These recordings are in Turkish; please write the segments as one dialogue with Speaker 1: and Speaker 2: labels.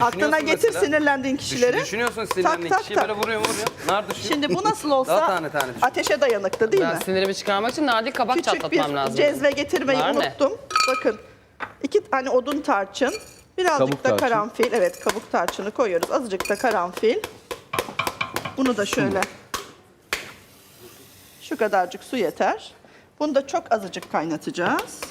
Speaker 1: Aklına getir
Speaker 2: mesela.
Speaker 1: sinirlendiğin kişileri.
Speaker 2: Düşünüyorsun sinirlendiğin
Speaker 1: tak,
Speaker 2: kişiyi
Speaker 1: tak.
Speaker 2: böyle vuruyor. Nar düşüyor.
Speaker 1: Şimdi bu nasıl
Speaker 2: Daha
Speaker 1: olsa
Speaker 2: tane tane düşün.
Speaker 1: ateşe dayanıktı değil
Speaker 3: Ben
Speaker 1: mi?
Speaker 3: sinirimi çıkarmak için nadir kabak
Speaker 1: Küçük
Speaker 3: çatlatmam
Speaker 1: bir
Speaker 3: lazım.
Speaker 1: cezve getirmeyi
Speaker 3: Nar ne?
Speaker 1: unuttum. Bakın 2 tane odun tarçın, birazcık
Speaker 4: Kabuk
Speaker 1: da
Speaker 4: tarçın.
Speaker 1: karanfil. Evet, kabuk tarçını koyuyoruz. Azıcık da karanfil. Bunu da şöyle. Şu kadarcık su yeter. Bunu da çok azıcık kaynatacağız.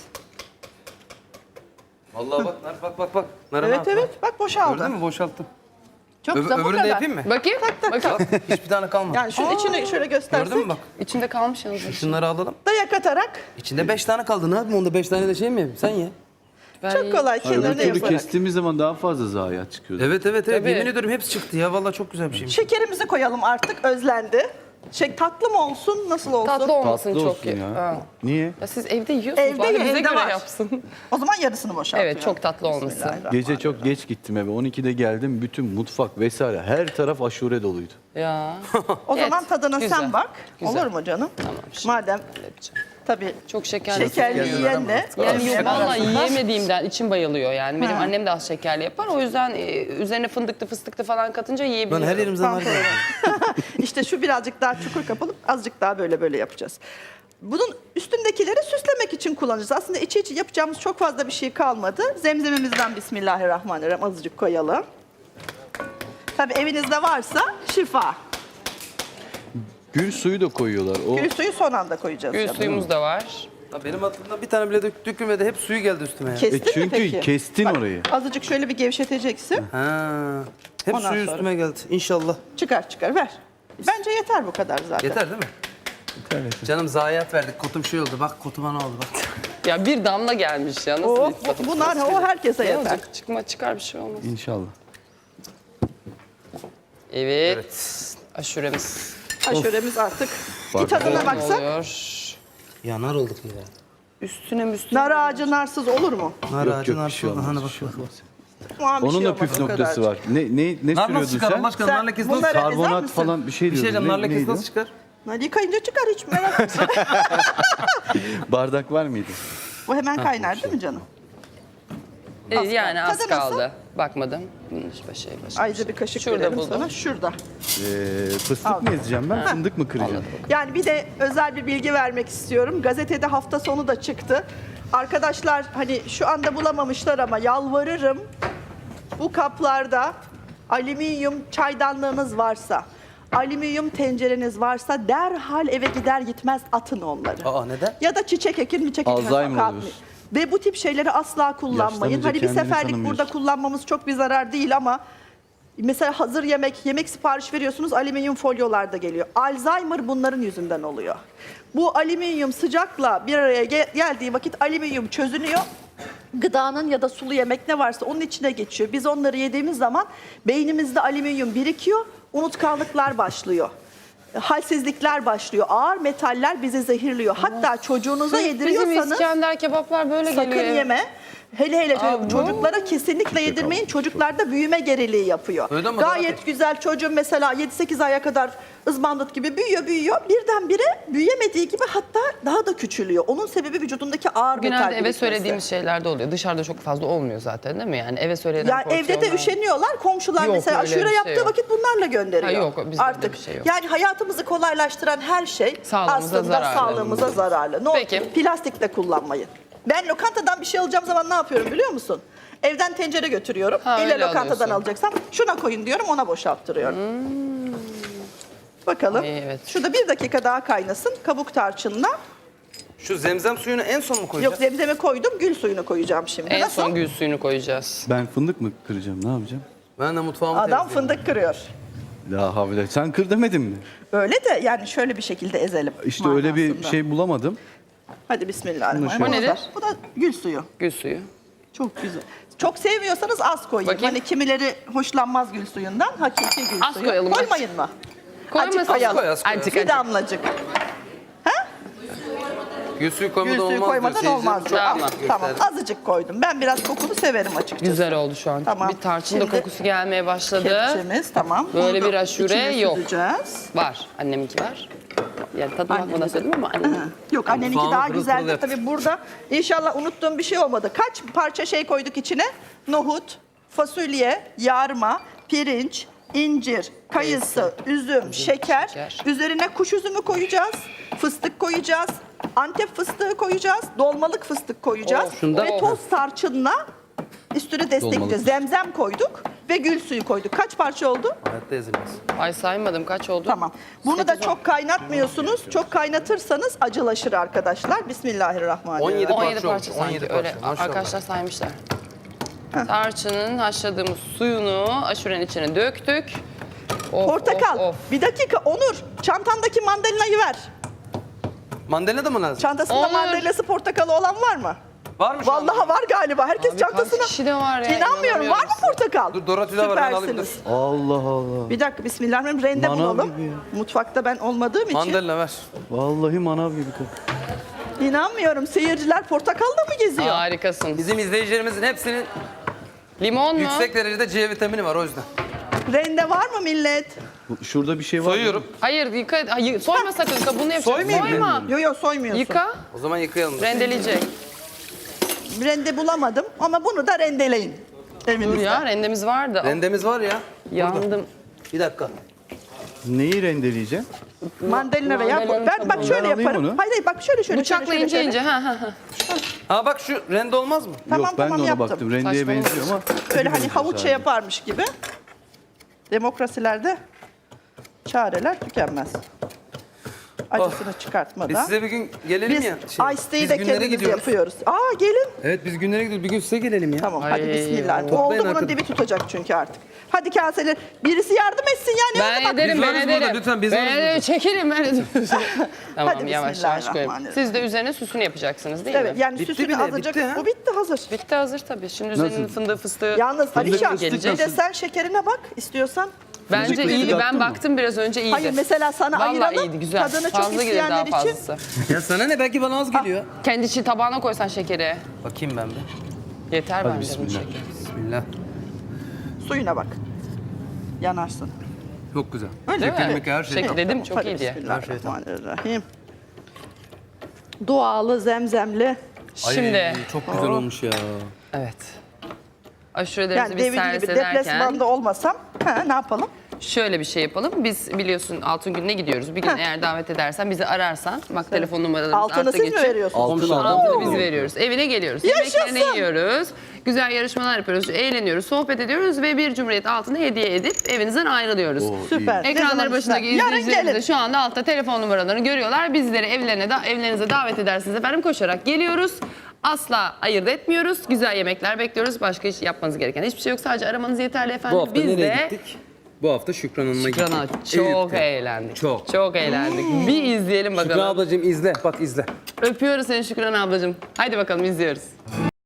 Speaker 2: Vallahi bak nar bak. Narın
Speaker 1: Evet
Speaker 2: altına.
Speaker 1: evet, bak boşaldı.
Speaker 2: Gördün mü? Boşalttım.
Speaker 1: Çok güzel, bu
Speaker 2: Öbürünü de
Speaker 1: kadar.
Speaker 2: yapayım mı?
Speaker 3: Bakayım. Bakayım.
Speaker 2: Hiçbir tane kalmadı.
Speaker 1: Yani şunun içini şöyle göstersek.
Speaker 2: Gördün mü bak?
Speaker 3: İçinde kalmış yalnız.
Speaker 2: Şunları alalım.
Speaker 1: Dayak atarak
Speaker 2: İçinde 5 tane kaldı. Ne yapayım? Onda 5 tane de şey mi yapayım? Sen ye.
Speaker 3: Ben
Speaker 1: çok kolay
Speaker 4: Öbür
Speaker 1: kenarına
Speaker 4: türlü
Speaker 1: yaparak.
Speaker 4: kestiğimiz zaman daha fazla zayiat çıkıyor.
Speaker 2: Evet.
Speaker 3: Tabii.
Speaker 2: Yemin ediyorum hepsi çıktı ya. Vallahi çok güzel bir şeymiş.
Speaker 1: Şekerimizi koyalım artık, özlendi. Tatlı mı olsun, nasıl olsun?
Speaker 3: tatlı olmasın
Speaker 4: Tatlı
Speaker 3: çok
Speaker 4: olsun
Speaker 3: iyi.
Speaker 4: ya.
Speaker 3: Ha.
Speaker 4: Niye?
Speaker 3: Ya siz evde yiyorsunuz.
Speaker 1: Evde
Speaker 3: bari
Speaker 1: ye,
Speaker 3: bize
Speaker 1: evde
Speaker 3: göre
Speaker 1: var.
Speaker 3: yapsın.
Speaker 1: O zaman yarısını boşaltıyorum.
Speaker 3: Evet, çok tatlı olmasın.
Speaker 1: Bismillahirrahmanirrahim.
Speaker 4: Gece çok geç gittim eve. 12'de geldim. Bütün mutfak vesaire her taraf aşure doluydu.
Speaker 3: Ya.
Speaker 1: O
Speaker 3: Evet,
Speaker 1: zaman tadına
Speaker 3: güzel.
Speaker 1: sen bak.
Speaker 3: Güzel.
Speaker 1: Olur mu canım?
Speaker 3: Tamam. Şimdi
Speaker 1: Madem
Speaker 3: halledeceğim.
Speaker 1: tabii
Speaker 3: Çok şekerli.
Speaker 1: şekerli yiyenle
Speaker 3: Yani
Speaker 1: yemeyen
Speaker 3: vallahi
Speaker 1: arasında-
Speaker 3: yiyemediğimden içim bayılıyor yani. Benim
Speaker 1: Ha.
Speaker 3: annem de az şekerli yapar. O yüzden üzerine fındıklı fıstıklı falan katınca
Speaker 2: Lan
Speaker 3: yiyebiliyorum.
Speaker 2: her yerimizden nar
Speaker 1: Pantolonu.
Speaker 2: geldi.
Speaker 1: İşte şu birazcık daha çukur kapalı, azıcık daha böyle yapacağız. Bunun üstündekileri süslemek için kullanacağız. Aslında içi yapacağımız çok fazla bir şey kalmadı. Zemzemimizden Bismillahirrahmanirrahim azıcık koyalım. Tabii evinizde varsa şifa.
Speaker 4: Gül suyu da koyuyorlar. O
Speaker 1: Gül suyu son anda koyacağız.
Speaker 3: Gül
Speaker 1: canım.
Speaker 3: suyumuz da var.
Speaker 2: Ya benim aklımda bir tane bile dökülmedi. Hep suyu geldi üstüme ya.
Speaker 1: Kestin mi
Speaker 4: çünkü
Speaker 1: peki?
Speaker 4: kestin orayı.
Speaker 1: Azıcık şöyle bir gevşeteceksin.
Speaker 2: Ha. Hep
Speaker 1: Ondan
Speaker 2: suyu
Speaker 1: sonra.
Speaker 2: üstüme geldi. İnşallah.
Speaker 1: Çıkar ver. Bence yeter bu kadar zaten.
Speaker 2: Yeter değil mi? Canım zayiat verdik. Kotum şey oldu. Bak kotuma ne oldu bak.
Speaker 3: Ya bir damla gelmiş ya. Nasıl
Speaker 1: O,
Speaker 3: bir tadı?
Speaker 1: bunlar o herkese
Speaker 3: Ne
Speaker 1: yeter.
Speaker 3: olacak? Çıkar bir şey olmaz.
Speaker 4: İnşallah.
Speaker 3: Evet. Aşuremiz.
Speaker 1: Aşuremiz artık.
Speaker 4: Bak.
Speaker 1: Bir tadına
Speaker 3: Ne
Speaker 1: baksak.
Speaker 3: oluyor?
Speaker 2: Ya nar olduk ya.
Speaker 3: Üstüne müstüne.
Speaker 1: Nar ağacı narsız olur mu?
Speaker 2: Nar
Speaker 4: Yok
Speaker 2: ağacı
Speaker 4: yok bir
Speaker 2: nar
Speaker 4: şey
Speaker 2: oldu.
Speaker 4: olmaz.
Speaker 2: Hani
Speaker 4: bir
Speaker 2: bak
Speaker 4: şey
Speaker 2: bak.
Speaker 4: olmaz.
Speaker 1: Aman bir
Speaker 4: Onun
Speaker 1: şey
Speaker 4: da
Speaker 1: olmaz,
Speaker 4: püf
Speaker 1: o
Speaker 4: noktası
Speaker 1: kadarcık.
Speaker 4: var. Ne
Speaker 2: Nar nasıl
Speaker 4: sürüyordun
Speaker 2: çıkar
Speaker 4: sen?
Speaker 2: Allah aşkına?
Speaker 1: Sen
Speaker 2: Nar lekesi nasıl
Speaker 1: bunları-
Speaker 2: çıkar?
Speaker 1: ezer
Speaker 4: Karbonat
Speaker 1: misin?
Speaker 4: falan bir şey
Speaker 2: Bir şey
Speaker 4: diyordun.
Speaker 2: diyeceğim. Nar lekesi
Speaker 4: neydi o?
Speaker 2: nasıl çıkar?
Speaker 1: Nar yıkayınca çıkar, hiç merak etme.
Speaker 4: Bardak var mıydı?
Speaker 1: Bu hemen kaynar değil mi canım? Az
Speaker 3: Yani
Speaker 1: kaldı.
Speaker 3: az
Speaker 1: Tadı nasıl?
Speaker 3: kaldı. Bakmadım. Başka
Speaker 1: Ayrıca bir kaşık
Speaker 3: Şurada
Speaker 1: verelim
Speaker 3: buldum.
Speaker 1: sana. Şurada.
Speaker 4: Fıstık mı ezeceğim ben? Fındık mı kıracağım?
Speaker 1: Yani bir de özel bir bilgi vermek istiyorum. Gazetede hafta sonu da çıktı. Arkadaşlar hani şu anda bulamamışlar ama yalvarırım. Bu kaplarda alüminyum çaydanlığınız varsa, alüminyum tencereniz varsa derhal eve gider gitmez atın onları.
Speaker 2: Aa neden?
Speaker 1: Ya da çiçek ekin,
Speaker 4: Alzheimer
Speaker 1: sokağa
Speaker 4: oluyorsun.
Speaker 1: atmayın. Ve bu tip şeyleri asla kullanmayın.
Speaker 4: Yaşlanınca
Speaker 1: Hani bir
Speaker 4: kendini
Speaker 1: seferlik burada
Speaker 4: tanımıyorsun.
Speaker 1: kullanmamız çok bir zarar değil ama mesela hazır yemek sipariş veriyorsunuz, alüminyum folyolarda geliyor. Alzheimer bunların yüzünden oluyor. Bu alüminyum sıcakla bir araya geldiği vakit alüminyum çözünüyor. Gıdanın ya da sulu yemek ne varsa onun içine geçiyor. Biz onları yediğimiz zaman beynimizde alüminyum birikiyor, unutkanlıklar başlıyor. Halsizlikler başlıyor. Ağır metaller bizi zehirliyor. Hatta çocuğunuza
Speaker 3: Bizim
Speaker 1: yediriyorsanız
Speaker 3: İskender kebaplar böyle
Speaker 1: sakın
Speaker 3: geliyor.
Speaker 1: yeme. Hele
Speaker 3: Aa,
Speaker 1: çocuklara kesinlikle yedirmeyin. Çocuklarda büyüme geriliği yapıyor.
Speaker 2: Öyle mi?
Speaker 1: Gayet güzel çocuğun mesela 7-8 aya kadar ızbandut gibi büyüyor. Birdenbire büyüyemediği gibi hatta daha da küçülüyor. Onun sebebi vücudundaki ağır metal
Speaker 3: Genelde eve
Speaker 1: birikmesi.
Speaker 3: söylediğimiz şeylerde oluyor. Dışarıda çok fazla olmuyor zaten değil mi? Yani eve söylenen
Speaker 1: Yani evde de
Speaker 3: porsiyonlar-
Speaker 1: üşeniyorlar. Komşular
Speaker 3: Yok,
Speaker 1: mesela
Speaker 3: öyle bir
Speaker 1: aşure
Speaker 3: şey
Speaker 1: yaptığı
Speaker 3: yok.
Speaker 1: vakit bunlarla gönderiyor.
Speaker 3: Ha, yok, bizde öyle
Speaker 1: Artık
Speaker 3: bir şey yok.
Speaker 1: yani hayatımızı kolaylaştıran her şey
Speaker 3: Sağlığımıza
Speaker 1: aslında
Speaker 3: zararlı.
Speaker 1: sağlığımıza zararlı. Ne
Speaker 3: Peki.
Speaker 1: olur plastik de kullanmayın. Ben lokantadan bir şey alacağım zaman ne yapıyorum biliyor musun? Evden tencere götürüyorum.
Speaker 3: Ha,
Speaker 1: Elle
Speaker 3: öyle
Speaker 1: lokantadan
Speaker 3: alıyorsun.
Speaker 1: alacaksam şuna koyun diyorum, ona boşalttırıyorum. Bakalım.
Speaker 3: Ay, evet.
Speaker 1: Şurada 1 dakika daha kaynasın kabuk tarçınla.
Speaker 2: Şu zemzem suyunu en son mu
Speaker 1: Yok,
Speaker 2: koyacağız?
Speaker 1: zemzemi koydum, gül suyunu koyacağım şimdi.
Speaker 3: En
Speaker 1: Nasıl?
Speaker 3: son gül suyunu koyacağız.
Speaker 4: Ben fındık mı kıracağım? Ne yapacağım?
Speaker 2: Ben de mutfağımı
Speaker 1: Adam
Speaker 2: temizleyeyim.
Speaker 1: fındık kırıyor.
Speaker 4: La havle. Sen kır demedin mi?
Speaker 1: Öyle de yani şöyle bir şekilde ezelim.
Speaker 4: İşte öyle bir
Speaker 1: manasında.
Speaker 4: şey bulamadım.
Speaker 1: Hadi bismillahirrahmanirrahim.
Speaker 3: Bu nedir?
Speaker 1: Bu da gül suyu.
Speaker 3: Gül suyu.
Speaker 1: Çok güzel. Çok sevmiyorsanız az koyun.
Speaker 3: Bakayım.
Speaker 1: Hani kimileri hoşlanmaz gül suyundan. Hakiki gül
Speaker 3: Az
Speaker 1: suyu.
Speaker 3: koyalım, az.
Speaker 1: Koymayın mı?
Speaker 3: Koymasın.
Speaker 1: Azıcık koyalım.
Speaker 2: Az koy, az
Speaker 3: Azıcık,
Speaker 1: Bir
Speaker 3: azıcık.
Speaker 1: damlacık.
Speaker 2: Gül suyu
Speaker 1: Gül
Speaker 2: koymadan
Speaker 1: suyu
Speaker 2: olmaz
Speaker 1: koymadan
Speaker 2: diyor.
Speaker 1: olmaz.
Speaker 2: Seyircilerim
Speaker 1: Tamam,
Speaker 2: çok
Speaker 1: tamam.
Speaker 2: gösterdi.
Speaker 1: Azıcık koydum. Ben biraz kokunu severim açıkçası.
Speaker 3: Güzel oldu şu an.
Speaker 1: Tamam.
Speaker 3: Bir tarçın da
Speaker 1: Şimdi
Speaker 3: kokusu gelmeye başladı.
Speaker 1: Kepçemiz tamam.
Speaker 3: Böyle
Speaker 1: Bunu
Speaker 3: bir aşure
Speaker 1: içine
Speaker 3: yok.
Speaker 1: süzeceğiz.
Speaker 3: Var. Anneminki var. Yani tadına
Speaker 1: Annemin
Speaker 3: bakmadan
Speaker 1: de.
Speaker 3: söyledim ama annemin.
Speaker 1: Yok, anneninki
Speaker 2: Mutfağımı
Speaker 1: daha
Speaker 2: pırıl pırıl
Speaker 1: güzeldir.
Speaker 2: yaptı.
Speaker 1: Tabii burada inşallah unuttuğum bir şey olmadı. Kaç parça şey koyduk içine? Nohut, fasulye, yarma, pirinç, incir, kayısı, üzüm, şeker. Üzerine kuş üzümü koyacağız, fıstık koyacağız, Antep fıstığı koyacağız, dolmalık fıstık koyacağız
Speaker 2: şunda-
Speaker 1: ve toz tarçınla üstüne destekleyeceğiz. Zemzem koyduk ve gül suyu koyduk. Kaç parça oldu?
Speaker 2: Hayatta ezilmez.
Speaker 3: Ay saymadım kaç oldu?
Speaker 1: Tamam. Bunu da
Speaker 3: 8,
Speaker 1: çok kaynatmıyorsunuz. Çok kaynatırsanız acılaşır arkadaşlar. Bismillahirrahmanirrahim.
Speaker 2: 17
Speaker 3: 17
Speaker 2: parça
Speaker 3: parça
Speaker 2: oldu,
Speaker 3: sanki
Speaker 2: 17
Speaker 3: öyle
Speaker 2: parça, maşallah.
Speaker 3: arkadaşlar saymışlar. Tarçının haşladığımız suyunu aşurenin içine döktük. Of,
Speaker 1: Portakal.
Speaker 3: of, of.
Speaker 1: Bir dakika Onur. Çantandaki mandalinayı ver.
Speaker 2: Mandalina da mı lazım?
Speaker 1: Çantasında
Speaker 3: Onur.
Speaker 1: mandalinası portakalı olan var mı?
Speaker 2: Var mı şu anda?
Speaker 1: Vallahi var galiba. Herkes
Speaker 3: Abi
Speaker 1: çantasına...
Speaker 3: kaç kişi de var ya,
Speaker 1: İnanmıyorum. Var mı
Speaker 3: inanamıyorum.
Speaker 1: portakal?
Speaker 2: Dur, Dorothy'de var, ben alayım,
Speaker 1: Süpersiniz.
Speaker 4: Allah Allah.
Speaker 1: Bir dakika bismillahirrahmanirrahim. Rende
Speaker 4: Manav
Speaker 1: bulalım.
Speaker 4: gibi ya.
Speaker 1: Mutfakta ben olmadığım için.
Speaker 2: Mandalina ver.
Speaker 4: Vallahi manav gibi kız.
Speaker 1: İnanmıyorum. Seyirciler portakalla mı geziyor?
Speaker 3: Harikasın.
Speaker 2: Bizim izleyicilerimizin hepsinin
Speaker 3: Limon mu?
Speaker 2: yüksek derecede C vitamini var o yüzden.
Speaker 1: Rende var mı millet?
Speaker 4: Şurada bir şey var mı?
Speaker 2: Soyuyorum.
Speaker 3: Hayır yıka, hayır, soyma sakın kabuğunu yapacaksın.
Speaker 2: Soymayayım mı?
Speaker 3: Soyma.
Speaker 1: Yo yo soymuyorsun.
Speaker 3: Yıka,
Speaker 2: O zaman yıkayalım.
Speaker 3: rendeleyecek.
Speaker 1: Rende bulamadım ama bunu da rendeleyin.
Speaker 3: Dur
Speaker 1: Evinizde.
Speaker 3: ya rendemiz vardı.
Speaker 2: Rendemiz var ya.
Speaker 3: Yandım.
Speaker 2: Bir dakika.
Speaker 4: Neyi rendeleyeceğim?
Speaker 1: Mandalina veya...
Speaker 3: Mandalina'nın
Speaker 1: Ben bak
Speaker 3: kabuğu.
Speaker 1: şöyle
Speaker 4: Ben alayım
Speaker 1: yaparım.
Speaker 4: onu.
Speaker 1: Hayır hayır bak şöyle.
Speaker 3: Bıçakla
Speaker 1: şöyle,
Speaker 3: ince
Speaker 1: şöyle.
Speaker 3: ince. Ha ha ha.
Speaker 2: Ha bak şu rende olmaz mı?
Speaker 1: Tamam,
Speaker 4: Yok ben
Speaker 1: tamam,
Speaker 4: de ona
Speaker 1: yaptım.
Speaker 4: baktım. Rendeye
Speaker 3: Saçmalama.
Speaker 4: benziyor ama.
Speaker 1: Öyle hani havuç şey yaparmış gibi. Demokrasilerde çareler tükenmez. Acısını
Speaker 2: Biz
Speaker 1: çıkartmadan.
Speaker 2: size bir gün gelelim
Speaker 1: Biz
Speaker 2: ya.
Speaker 1: Ice
Speaker 2: biz
Speaker 1: de
Speaker 2: günlere
Speaker 1: kendimiz
Speaker 2: gidiyoruz.
Speaker 1: yapıyoruz. Aa gelin.
Speaker 2: Evet biz günlere gidiyoruz. Bir gün size gelelim ya.
Speaker 1: Tamam
Speaker 3: Ay,
Speaker 1: hadi bismillah.
Speaker 2: toplayın
Speaker 1: Oldu bunun
Speaker 2: arkadaş.
Speaker 1: dibi tutacak çünkü artık. Hadi kaseler. Birisi yardım etsin yani.
Speaker 3: Ben
Speaker 1: Bak.
Speaker 3: ederim,
Speaker 2: Biz
Speaker 3: ben
Speaker 2: varız burada,
Speaker 3: ederim.
Speaker 2: lütfen, biz
Speaker 3: ben
Speaker 2: varız
Speaker 3: ederim,
Speaker 2: burada.
Speaker 3: çekelim ben ederim. Tamam
Speaker 1: Hadi
Speaker 3: yavaş yavaş koyayım.
Speaker 1: bismillahirrahmanirrahim.
Speaker 3: Siz de üzerine süsünü yapacaksınız değil
Speaker 1: Evet
Speaker 3: mi?
Speaker 1: yani
Speaker 2: Bitti
Speaker 1: süsünü
Speaker 2: bile,
Speaker 1: azıcık.
Speaker 2: bitti ha.
Speaker 1: Bu bitti hazır.
Speaker 3: Bitti hazır tabii. Şimdi üzerinin
Speaker 4: Nasıl?
Speaker 3: fındığı fıstığı
Speaker 1: Yalnız Alişan
Speaker 3: gelecek.
Speaker 1: bir de sen şekerine bak istiyorsan.
Speaker 3: Bence
Speaker 4: Fındıklı
Speaker 3: iyiydi.
Speaker 4: yaptın
Speaker 3: Ben
Speaker 4: mı?
Speaker 3: baktım biraz önce iyiydi.
Speaker 1: Hayır mesela sana
Speaker 3: Vallahi
Speaker 1: ayıralım.
Speaker 3: iyiydi güzel.
Speaker 1: Tadını çok
Speaker 3: Fazla gelir daha
Speaker 1: isteyenler için.
Speaker 3: fazlası.
Speaker 2: Ya sana ne? Belki bana az geliyor.
Speaker 3: Kendi için tabağına koysan şekeri.
Speaker 2: Bakayım ben bir.
Speaker 3: Yeter
Speaker 4: Hadi
Speaker 3: bence bunun
Speaker 4: bismillah.
Speaker 3: şekeri.
Speaker 2: Bismillah.
Speaker 1: Suyuna bak. Yanarsın.
Speaker 2: Çok güzel.
Speaker 1: Öyle
Speaker 2: Şeker
Speaker 1: mi?
Speaker 2: meker her şey.
Speaker 3: Şeker. Dedim, çok
Speaker 1: Hadi
Speaker 3: iyi diye.
Speaker 1: Bismillahirrahmanirrahim. Dualı, zemzemli.
Speaker 3: Şimdi
Speaker 2: Ay, çok güzel olmuş ya.
Speaker 3: evet. Aşurelerimizi
Speaker 1: Yani
Speaker 3: biz
Speaker 1: devir
Speaker 3: servis
Speaker 1: gibi
Speaker 3: ederken
Speaker 1: deplasmanda olmasam ne yapalım?
Speaker 3: şöyle bir şey yapalım. Biz biliyorsun Altın Günü'ne gidiyoruz. Bir gün
Speaker 1: Heh.
Speaker 3: eğer davet edersen bizi ararsan bak telefon numaralarımız
Speaker 1: Altını
Speaker 3: altta
Speaker 1: siz mi
Speaker 3: geçiyor.
Speaker 1: veriyorsunuz?
Speaker 4: Altın
Speaker 3: Altını
Speaker 4: aldım.
Speaker 3: biz veriyoruz. Evine geliyoruz.
Speaker 1: Yaşasın.
Speaker 3: Yemeklerini yiyoruz. Güzel yarışmalar yapıyoruz. Eğleniyoruz. Sohbet ediyoruz ve bir Cumhuriyet altını hediye edip evinizden ayrılıyoruz.
Speaker 4: Oo,
Speaker 1: Süper. Ne
Speaker 3: Ekranları
Speaker 1: zaman
Speaker 3: başındaki
Speaker 1: ister? Yarın
Speaker 3: izleyicilerimiz de
Speaker 1: gelin.
Speaker 3: şu anda altta telefon numaralarını görüyorlar. Bizleri evlerinize davet edersiniz efendim. Koşarak geliyoruz. Asla ayırt etmiyoruz. Güzel yemekler bekliyoruz. Başka hiç yapmanız gereken hiçbir şey yok. Sadece aramanız yeterli efendim.
Speaker 2: Bu hafta
Speaker 3: Biz
Speaker 2: nereye
Speaker 3: de
Speaker 2: gittik? Bu hafta Şükran Hanım'a gittik.
Speaker 3: Şükran'a çok
Speaker 2: Eyüp'te.
Speaker 3: eğlendik.
Speaker 2: Çok.
Speaker 3: Çok eğlendik. Bir izleyelim bakalım.
Speaker 2: Şükran ablacığım izle. Bak izle.
Speaker 3: Öpüyoruz seni Şükran ablacığım. Haydi bakalım izliyoruz.